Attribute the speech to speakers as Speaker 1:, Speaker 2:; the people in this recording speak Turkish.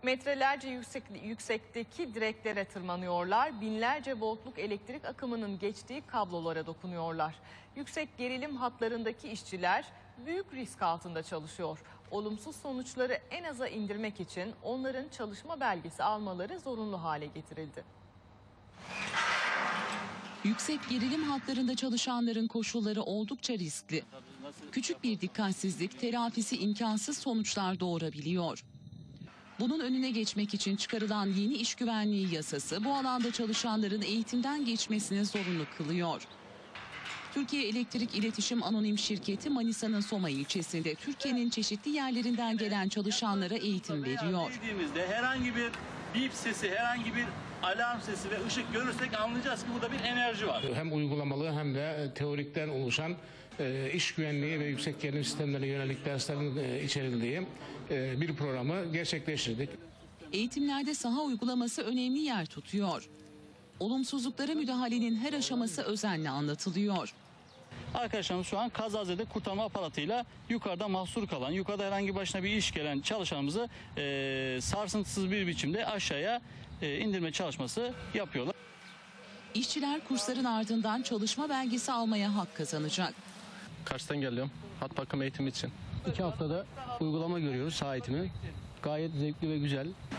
Speaker 1: Metrelerce yüksekteki direklere tırmanıyorlar. Binlerce voltluk elektrik akımının geçtiği kablolara dokunuyorlar. Yüksek gerilim hatlarındaki işçiler büyük risk altında çalışıyor. Olumsuz sonuçları en aza indirmek için onların çalışma belgesi almaları zorunlu hale getirildi.
Speaker 2: Yüksek gerilim hatlarında çalışanların koşulları oldukça riskli. Küçük bir dikkatsizlik telafisi imkansız sonuçlar doğurabiliyor. Bunun önüne geçmek için çıkarılan yeni iş güvenliği yasası bu alanda çalışanların eğitimden geçmesini zorunlu kılıyor. Türkiye Elektrik İletişim Anonim Şirketi Manisa'nın Soma ilçesinde Türkiye'nin çeşitli yerlerinden gelen çalışanlara eğitim veriyor.
Speaker 3: Dediğimizde herhangi bir bip sesi, herhangi bir alarm sesi ve ışık görürsek anlayacağız ki burada bir enerji var.
Speaker 4: Hem uygulamalı hem de teorikten oluşan iş güvenliği ve yüksek gerilim sistemlerine yönelik derslerin içerildiği bir programı gerçekleştirdik.
Speaker 2: Eğitimlerde saha uygulaması önemli yer tutuyor. Olumsuzluklara müdahalenin her aşaması özenle anlatılıyor.
Speaker 3: Arkadaşlarımız şu an kazazede kurtarma aparatıyla yukarıda mahsur kalan, yukarıda herhangi başına bir iş gelen çalışanımızı sarsıntısız bir biçimde aşağıya indirme çalışması yapıyorlar.
Speaker 2: İşçiler kursların ardından çalışma belgesi almaya hak kazanacak.
Speaker 5: Kars'tan geliyorum. Hat bakım eğitimi için.
Speaker 6: 2 haftada uygulama görüyoruz, saha eğitimi. Gayet zevkli ve güzel.